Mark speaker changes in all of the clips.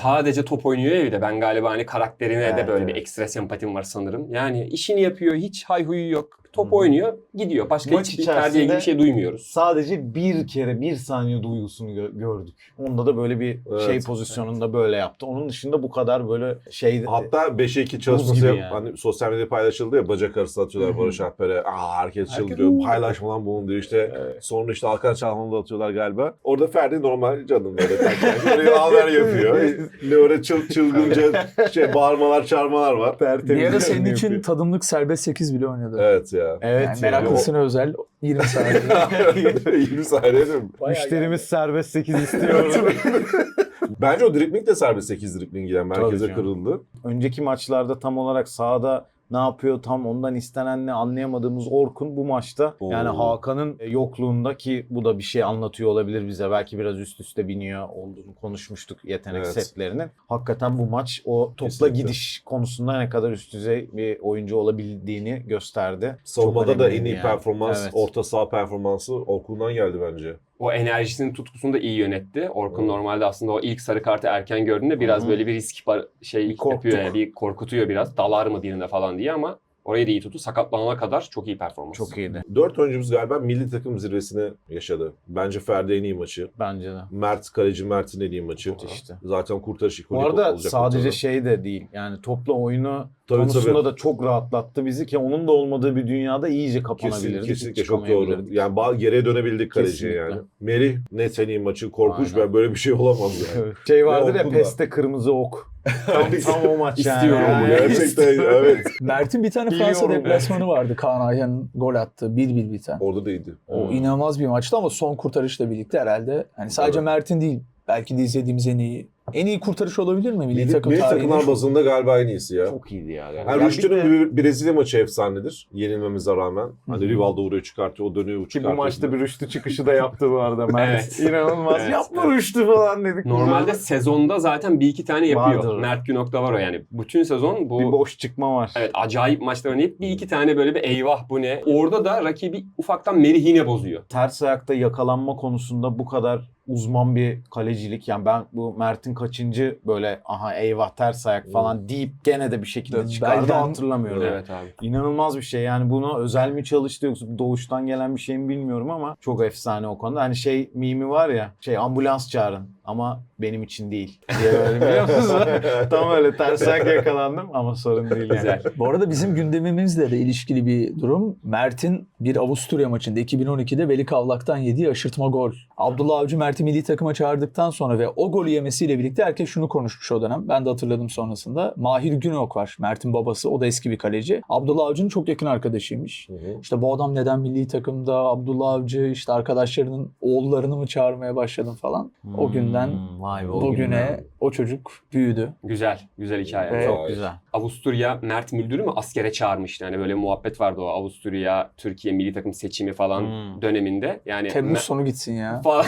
Speaker 1: sadece top oynuyor ya bir de. Ben galiba hani karakterine de böyle bir
Speaker 2: evet.
Speaker 1: ekstra sempatim var sanırım. Yani işini yapıyor, hiç hayhuyu yok. Top oynuyor, gidiyor. Başka
Speaker 2: Maç
Speaker 1: hiçbir Ferdi'ye ilgili bir şey duymuyoruz.
Speaker 2: Sadece bir kere 1 saniye duygusunu gördük. Onda da böyle bir
Speaker 3: Evet.
Speaker 2: pozisyonunda böyle yaptı. Onun dışında bu kadar böyle şey...
Speaker 3: Hatta 5'e 2 çalışması
Speaker 2: gibi yani.
Speaker 3: hani sosyal medyada paylaşıldı ya, bacak arası atıyorlar Barış Alper'e. Herkes çıldırıyor. Paylaşma lan bunu diyor işte. Sonra işte Hakan Çalhanoğlu'da atıyorlar galiba. Orada Ferdi normal canım böyle. Böyle haber yapıyor. Ne öyle çılgınca bağırmalar çağırmalar var.
Speaker 4: Bir ara senin
Speaker 2: Yapıyor.
Speaker 4: için tadımlık serbest 8 bile oynadı.
Speaker 3: Evet ya.
Speaker 2: Evet.
Speaker 4: Yani meraklısına özel 20 saniye.
Speaker 3: 20 saniye değil mi?
Speaker 2: Müşterimiz serbest 8 istiyor.
Speaker 3: Bence o dribling de serbest 8 dribling yani. Merkeze
Speaker 2: canım.
Speaker 3: kırıldı.
Speaker 2: Önceki maçlarda tam olarak sahada ne yapıyor, tam ondan istenen ne anlayamadığımız Orkun bu maçta yani Hakan'ın yokluğunda, ki bu da bir şey anlatıyor olabilir bize. Belki biraz üst üste biniyor olduğunu konuşmuştuk yetenek
Speaker 3: Evet.
Speaker 2: setlerinin. Hakikaten bu maç o topla
Speaker 3: Kesinlikle.
Speaker 2: gidiş konusunda ne kadar üst düzey bir oyuncu olabildiğini gösterdi.
Speaker 3: Savunmada
Speaker 2: Çok
Speaker 3: da en
Speaker 2: önemliydi
Speaker 3: iyi
Speaker 2: yani.
Speaker 3: performans,
Speaker 2: Evet.
Speaker 3: orta saha performansı Orkun'dan geldi bence.
Speaker 1: O enerjisinin tutkusunu da iyi yönetti. Orkun normalde aslında o ilk sarı kartı erken gördüğünde biraz böyle bir risk
Speaker 2: Bir korktuk.
Speaker 1: yapıyor yani, bir korkutuyor biraz. Dalar mı birine falan diye ama orayı da iyi tuttu. Sakatlanana kadar çok iyi performans.
Speaker 2: Çok iyiydi
Speaker 3: 4 oyuncumuz galiba milli takım zirvesini yaşadı. Bence Ferdi en iyi maçı.
Speaker 2: bence de.
Speaker 3: Mert, kaleci Mert'in en iyi maçı.
Speaker 2: İşte.
Speaker 3: Zaten kurtarış
Speaker 2: Bu
Speaker 3: ikonik
Speaker 2: arada
Speaker 3: olacak
Speaker 2: sadece
Speaker 3: ortada.
Speaker 2: şey de değil. Yani topla oyunu
Speaker 3: Tabii,
Speaker 2: konusunda
Speaker 3: tabii.
Speaker 2: da çok rahatlattı bizi ki onun da olmadığı bir dünyada iyice kapanabilirdik.
Speaker 3: Kesinlikle
Speaker 2: hiç
Speaker 3: çok doğru.
Speaker 2: çıkamayabilirdik.
Speaker 3: Yani geriye dönebildik kaleciye
Speaker 2: Kesinlikle.
Speaker 3: yani. Merih net en iyi maçı. Korkunç,
Speaker 2: Aynen.
Speaker 3: ben böyle bir şey olamaz yani.
Speaker 2: Evet. Şey vardır ya,
Speaker 3: Orkun da.
Speaker 2: PES'te kırmızı ok. Tam o maç yani.
Speaker 1: İstiyorum onu,
Speaker 3: Gerçekten evet.
Speaker 4: Mert'in bir tane
Speaker 2: Biliyorum
Speaker 4: Fransa
Speaker 2: yani.
Speaker 4: deplasmanı vardı. Kaan Ayhan'ın gol attığı 1-1 biten.
Speaker 3: Orada da iyiydi.
Speaker 4: O inanılmaz bir maçtı ama son kurtarışla birlikte herhalde hani sadece
Speaker 3: Evet.
Speaker 4: Mert'in değil, belki de izlediğimiz en iyi kurtarış olabilir mi milli takım
Speaker 3: Milli
Speaker 4: tarihinde?
Speaker 3: takımlar bazında galiba en iyisi ya.
Speaker 2: Çok iyiydi ya.
Speaker 3: Yani Rüştü'nün bir Brezilya maçı efsanedir. Yenilmemize rağmen. Hani Rivaldo vuruyor çıkartıyor, o dönüyor
Speaker 2: Ki
Speaker 3: çıkartıyor.
Speaker 2: bu maçta bir Rüştü çıkışı da yaptı bu arada Mert.
Speaker 1: Evet.
Speaker 2: İnanılmaz.
Speaker 1: Evet.
Speaker 2: Yapma Rüştü falan dedik.
Speaker 1: Normalde sezonda zaten bir iki tane yapıyor.
Speaker 2: Vardır.
Speaker 1: Mert Günok da var o yani. Bütün sezon bu
Speaker 2: bir boş çıkma var.
Speaker 1: evet acayip maçlar oynayıp bir iki tane böyle bir eyvah bu ne. Orada da rakibi ufaktan Merih yine bozuyor.
Speaker 2: Ters ayakta yakalanma konusunda bu kadar uzman bir kalecilik. Yani ben bu Mert'in kaçıncı böyle aha eyvah ters ayak falan deyip gene de bir şekilde
Speaker 4: Belden-
Speaker 2: çıkardı hatırlamıyorum.
Speaker 1: Evet abi.
Speaker 2: İnanılmaz bir şey. Yani buna özel mi çalıştı yoksa doğuştan gelen bir şey mi bilmiyorum ama çok efsane o konuda. Hani şey mimi var ya, ambulans çağırın ama benim için değil diye böyle, biliyor musunuz? Tam öyle ters ayak yakalandım ama sorun değil yani.
Speaker 1: Güzel.
Speaker 4: Bu arada bizim gündemimizle de ilişkili bir durum. Mert'in bir Avusturya maçında 2012'de Veli Kavlak'tan yediği aşırtma gol. Abdullah Avcı Mert'i milli takıma çağırdıktan sonra ve o golü yemesiyle birlikte herkes şunu konuşmuş o dönem. Ben de hatırladım sonrasında. Mahir Günok var. Mert'in babası. O da eski bir kaleci. Abdullah Avcı'nın çok yakın arkadaşıymış. İşte bu adam neden milli takımda? Abdullah Avcı işte arkadaşlarının oğullarını mı çağırmaya başladın falan. O günden
Speaker 2: Vay be, o
Speaker 4: bugüne
Speaker 2: günden.
Speaker 4: o çocuk büyüdü.
Speaker 1: Güzel. Güzel hikaye.
Speaker 4: Ve-
Speaker 2: Çok güzel.
Speaker 1: Avusturya Mert Müldür'ü mü askere çağırmıştı. Yani böyle muhabbet vardı o Avusturya Türkiye milli takım seçimi falan döneminde. Yani
Speaker 4: Temmuz sonu gitsin ya.
Speaker 1: falan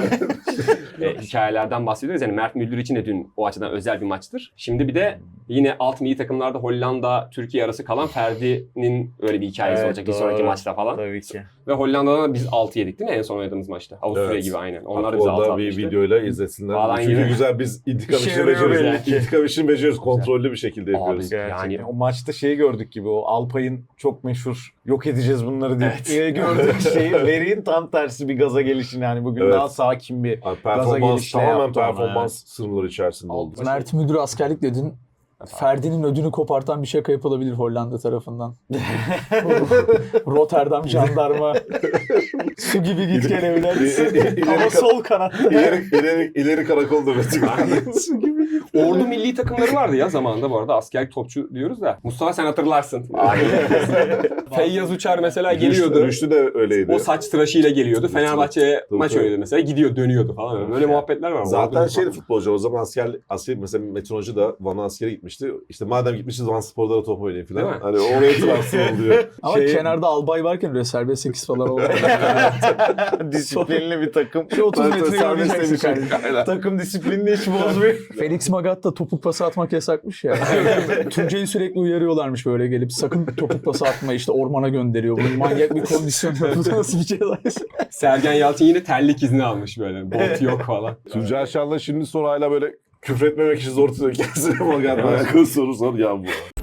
Speaker 1: hikayelerden bahsediyoruz. Yani Mert Müldür için de dün o açıdan özel bir maçtır. Şimdi bir de yine alt milli takımlarda Hollanda Türkiye arası kalan Ferdi'nin öyle bir hikayesi
Speaker 2: Evet,
Speaker 1: olacak bir
Speaker 2: doğru.
Speaker 1: sonraki maçta falan.
Speaker 2: Tabii ki.
Speaker 1: Ve Hollanda'dan da biz 6 yedik değil mi en son oynadığımız maçta? Avusturya
Speaker 3: Evet.
Speaker 1: gibi aynen. Onlar da bize 6
Speaker 3: Orada bir
Speaker 1: atmıştı.
Speaker 3: videoyla izlesinler.
Speaker 1: Falan
Speaker 3: Çünkü
Speaker 1: gibi.
Speaker 3: güzel, biz intikam
Speaker 2: İşe
Speaker 3: işini
Speaker 2: yarıyor
Speaker 3: beceriyoruz.
Speaker 2: belli ki.
Speaker 3: İntikam işini beceriyoruz. Kontrollü bir şekilde yapıyoruz.
Speaker 2: Gerçekten.
Speaker 1: Yani-
Speaker 2: O maçta şeyi gördük gibi, o Alpay'ın çok meşhur yok edeceğiz bunları diye gördüğümüz şeyi Veri'nin tam tersi bir gaza gelişini, yani bugün
Speaker 3: Evet.
Speaker 2: daha sakin bir
Speaker 3: Yani
Speaker 2: gaza
Speaker 3: performans
Speaker 2: gelişle
Speaker 3: tamamen
Speaker 2: yaptı ona,
Speaker 3: performans sınırları içerisinde oldu.
Speaker 4: Mert Müldür askerlik dedin. Ferdi'nin ödünü kopartan bir şaka yapılabilir Hollanda tarafından. Rotterdam jandarma. Su gibi git gel evler. Ama sol kanatta.
Speaker 3: İleri karakolda
Speaker 1: Ordu milli takımları vardı ya zamanında bu arada. Askerlik topçu diyoruz da. Mustafa sen hatırlarsın. Feyyaz Uçar mesela geliyordu.
Speaker 3: Rüştü de öyleydi.
Speaker 1: O saç tıraşıyla geliyordu. Fenerbahçe'ye maç
Speaker 3: tabii.
Speaker 1: oynuyordu mesela. Gidiyor dönüyordu falan. Böyle muhabbetler var.
Speaker 3: Zaten
Speaker 1: Ordu
Speaker 3: şeydi futbolcu, o zaman asker mesela Metin Hoca da Van'a askere gitmişti. İşte madem gitmişiz Van Spor'da da top oynayın
Speaker 1: Değil mi?
Speaker 3: falan. Hani oraya transfer oluyor.
Speaker 4: Ama kenarda albay varken öyle serbest 8 falan oldu.
Speaker 2: disiplinli bir takım.
Speaker 4: 30 metre
Speaker 2: Serbest
Speaker 4: oynayacaksın
Speaker 2: demiş.
Speaker 4: kardeşim.
Speaker 2: Takım disiplinini hiç bozmuyor.
Speaker 4: Felix Magath da topuk pası atmak yasakmış ya. Tuncay'ı sürekli uyarıyorlarmış böyle gelip sakın topuk pası atma, işte ormana gönderiyor. Bu manyak bir kondisyon. Bu nasıl bir ceza?
Speaker 1: Sergen Yalçın yine terlik izni almış böyle. Bot yok falan.
Speaker 3: Tuncay Şan'la şimdi sonra hala böyle Küfretmemek için zor tutuyor kendisine. Fakat alakalı soru sor ya bu.